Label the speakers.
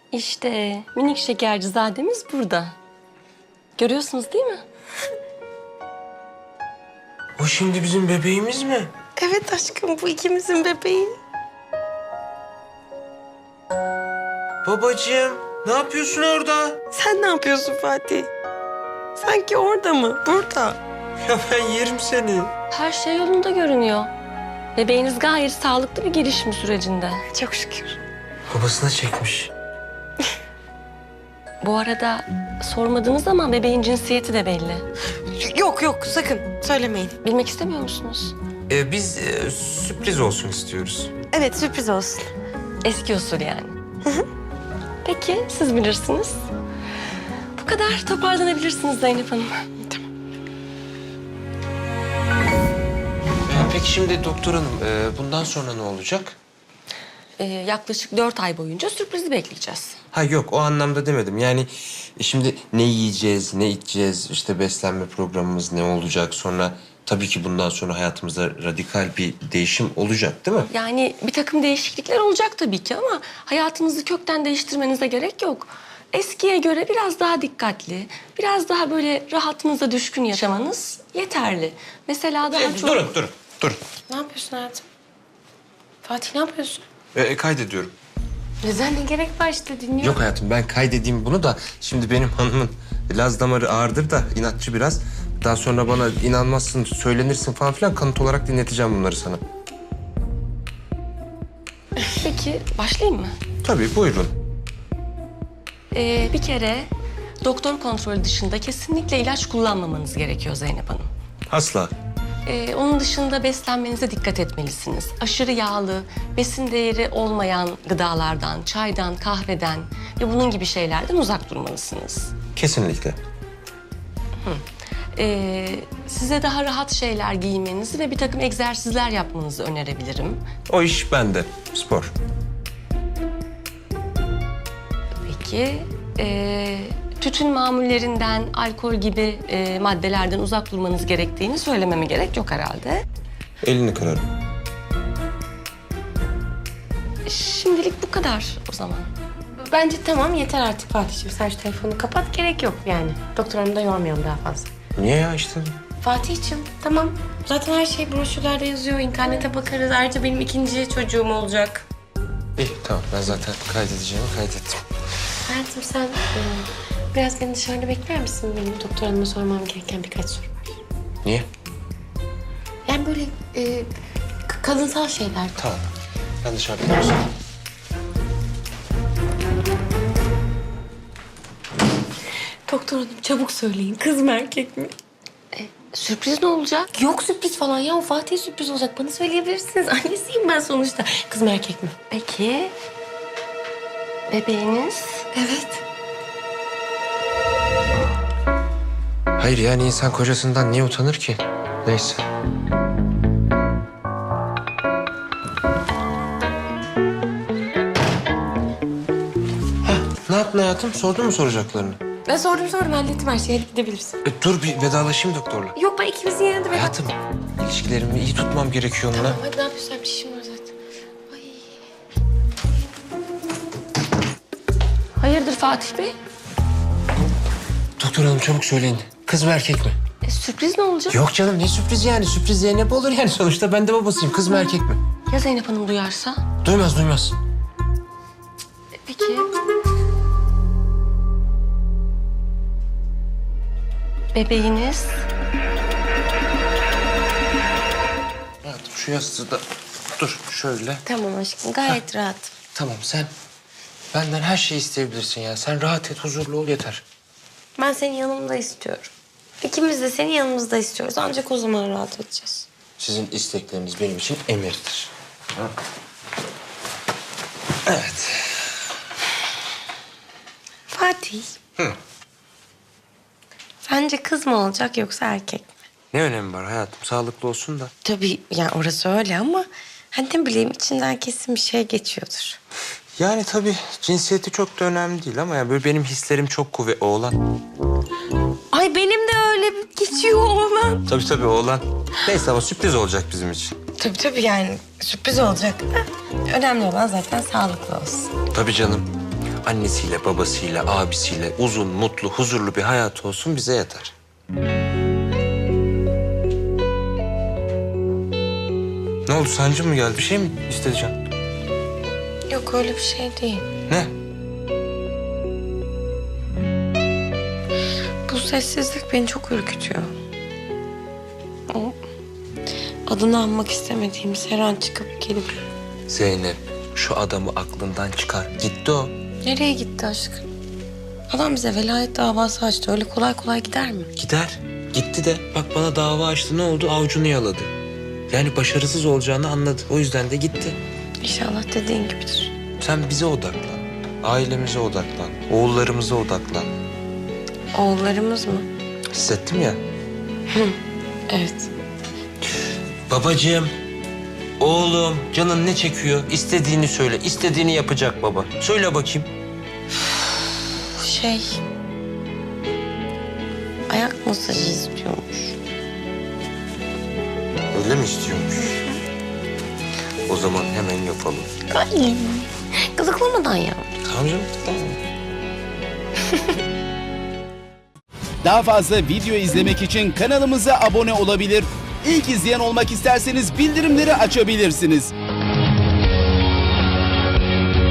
Speaker 1: İşte minik şekercizademiz burada. Görüyorsunuz değil mi?
Speaker 2: O şimdi bizim bebeğimiz mi?
Speaker 3: Evet aşkım, bu ikimizin bebeği.
Speaker 2: Babacığım, ne yapıyorsun orada?
Speaker 3: Sen ne yapıyorsun Fatih? Sanki orada mı? Burada.
Speaker 2: Ya ben yerim seni.
Speaker 1: Her şey yolunda görünüyor. Bebeğiniz gayet sağlıklı bir gelişim sürecinde.
Speaker 3: Çok şükür.
Speaker 2: Babasına çekmiş.
Speaker 1: Bu arada sormadığınız ama bebeğin cinsiyeti de belli.
Speaker 3: Yok yok, sakın söylemeyin.
Speaker 1: Bilmek istemiyor musunuz?
Speaker 2: Biz sürpriz olsun istiyoruz.
Speaker 3: Evet, sürpriz olsun.
Speaker 1: Eski usul yani. Peki siz bilirsiniz. Bu kadar toparlanabilirsiniz Zeynep Hanım.
Speaker 2: Peki şimdi doktor hanım, bundan sonra ne olacak?
Speaker 1: Yaklaşık 4 ay boyunca sürprizi bekleyeceğiz.
Speaker 2: Ha yok, o anlamda demedim. Yani şimdi ne yiyeceğiz, ne içeceğiz, işte beslenme programımız ne olacak, sonra tabii ki bundan sonra hayatımızda radikal bir değişim olacak değil mi?
Speaker 1: Yani bir takım değişiklikler olacak tabii ki ama hayatınızı kökten değiştirmenize gerek yok. Eskiye göre biraz daha dikkatli, biraz daha böyle rahatınıza düşkün yaşamanız yeterli. Mesela daha çok...
Speaker 2: Durun.
Speaker 3: Ne yapıyorsun hayatım? Fatih ne yapıyorsun?
Speaker 2: Kaydediyorum.
Speaker 3: Neden, ne gerek var, işte dinliyorum.
Speaker 2: Yok hayatım, ben kaydedeyim bunu da şimdi benim hanımın Laz damarı ağırdır da inatçı biraz. Daha sonra bana inanmazsın, söylenirsin falan filan, kanıt olarak dinleteceğim bunları sana.
Speaker 1: Peki başlayayım mı?
Speaker 2: Tabii, buyurun.
Speaker 1: Bir kere doktor kontrolü dışında kesinlikle ilaç kullanmamanız gerekiyor Zeynep Hanım.
Speaker 2: Asla.
Speaker 1: Onun dışında beslenmenize dikkat etmelisiniz. Aşırı yağlı, besin değeri olmayan gıdalardan, çaydan, kahveden ve bunun gibi şeylerden uzak durmalısınız.
Speaker 2: Kesinlikle.
Speaker 1: Size daha rahat şeyler giymenizi ve bir takım egzersizler yapmanızı önerebilirim.
Speaker 2: O iş bende. Spor.
Speaker 1: Peki, tütün mamullerinden, alkol gibi maddelerden uzak durmanız gerektiğini söylememe gerek yok herhalde.
Speaker 2: Elini kırarım.
Speaker 1: Şimdilik bu kadar o zaman.
Speaker 3: Bence tamam, yeter artık Fatih'ciğim. Sen şu telefonu kapat, gerek yok yani. Doktor hanımı da yormayalım daha fazla.
Speaker 2: Niye ya işte?
Speaker 3: Fatih'ciğim tamam. Zaten her şey broşürlerde yazıyor. İnternete bakarız. Ayrıca benim ikinci çocuğum olacak.
Speaker 2: İyi, tamam. Ben zaten kaydedeceğimi kaydettim.
Speaker 3: Hayatım sen biraz beni dışarıda bekler misin? Benim doktor hanıma sormam gereken birkaç soru var.
Speaker 2: Niye?
Speaker 3: Yani böyle kadınsal şeyler.
Speaker 2: Tamam. Ben dışarıda konuşayım.
Speaker 3: Doktor hanım çabuk söyleyin. Kız mı erkek mi?
Speaker 1: Sürpriz ne olacak?
Speaker 3: Yok sürpriz falan ya. O Fatih sürpriz olacak. Bana söyleyebilirsiniz. Annesiyim ben sonuçta. Kız mı erkek mi?
Speaker 1: Peki, bebeğiniz?
Speaker 3: Evet.
Speaker 2: Hayır, yani insan kocasından niye utanır ki? Neyse. Ne yaptın hayatım? Sordun mu soracaklarını?
Speaker 3: Ben sordum hallettim her şeyi. Hadi gidebilirsin.
Speaker 2: Dur bir vedalaşayım doktorla.
Speaker 3: Yok ben ikimizin yerine de
Speaker 2: Hayatım, ilişkilerimi iyi tutmam gerekiyor onunla.
Speaker 3: Hadi ne yapıyorsun? Bir işim var zaten. Ay.
Speaker 1: Hayırdır Fatih Bey?
Speaker 2: Doktor hanım çabuk söyleyin. Kız mı erkek mi?
Speaker 1: Sürpriz ne olacak?
Speaker 2: Yok canım, ne sürpriz yani? Sürpriz Zeynep olur yani, sonuçta ben de babasıyım. Kız mı erkek mi?
Speaker 1: Ya Zeynep Hanım duyarsa?
Speaker 2: Duymaz.
Speaker 1: Peki. Bebeğiniz?
Speaker 2: Hayatım şu yastığı da dur şöyle.
Speaker 3: Tamam aşkım gayet rahat.
Speaker 2: Tamam, sen benden her şeyi isteyebilirsin ya. Sen rahat et, huzurlu ol yeter.
Speaker 3: Ben senin yanımda istiyorum. İkimiz de senin yanımızda istiyoruz. Ancak o zaman rahat edeceğiz.
Speaker 2: Sizin istekleriniz benim için emirdir. Ha? Evet.
Speaker 3: Fatih.
Speaker 2: Hı.
Speaker 3: Sence kız mı olacak yoksa erkek mi?
Speaker 2: Ne önemi var hayatım? Sağlıklı olsun da.
Speaker 3: Tabii yani orası öyle ama hani ne bileyim içinden kesin bir şey geçiyordur.
Speaker 2: Yani tabii cinsiyeti çok da önemli değil ama ya böyle benim hislerim çok kuvvetli. Oğlan.
Speaker 3: Ay benim de öyle geçiyor oğlan.
Speaker 2: Tabii oğlan. Neyse ama sürpriz olacak bizim için.
Speaker 3: Tabii yani sürpriz olacak. Önemli olan zaten sağlıklı olsun.
Speaker 2: Tabii canım. annesiyle, babasıyla, abisiyle uzun, mutlu, huzurlu bir hayat olsun bize yeter. Ne oldu, sancı mı geldi? Bir şey mi istedin?
Speaker 3: Yok öyle bir şey değil.
Speaker 2: Ne?
Speaker 3: Bu sessizlik beni çok ürkütüyor. O adını anmak istemediğimiz her an çıkıp gelip...
Speaker 2: Zeynep, şu adamı aklından çıkar. Gitti o.
Speaker 3: Nereye gitti aşkım? Adam bize velayet davası açtı. Öyle kolay kolay gider mi?
Speaker 2: Gider. Gitti de bak bana dava açtı. Ne oldu? Avucunu yaladı. Yani başarısız olacağını anladı. O yüzden de gitti.
Speaker 3: İnşallah dediğin gibidir.
Speaker 2: Sen bize odaklan. Ailemize odaklan. Oğullarımıza odaklan.
Speaker 3: Oğullarımız mı?
Speaker 2: Hissettim ya.
Speaker 3: Evet.
Speaker 2: Babacığım, oğlum, canın ne çekiyor? İstediğini söyle. İstediğini yapacak baba. Söyle bakayım.
Speaker 3: Ayak masajı istiyormuş.
Speaker 2: Öyle mi istiyormuş? O zaman hemen yapalım.
Speaker 3: Ay, kızıklamadan ya.
Speaker 2: Tamam canım, tamam.
Speaker 4: Daha fazla video izlemek için kanalımıza abone olabilir. İlk izleyen olmak isterseniz bildirimleri açabilirsiniz.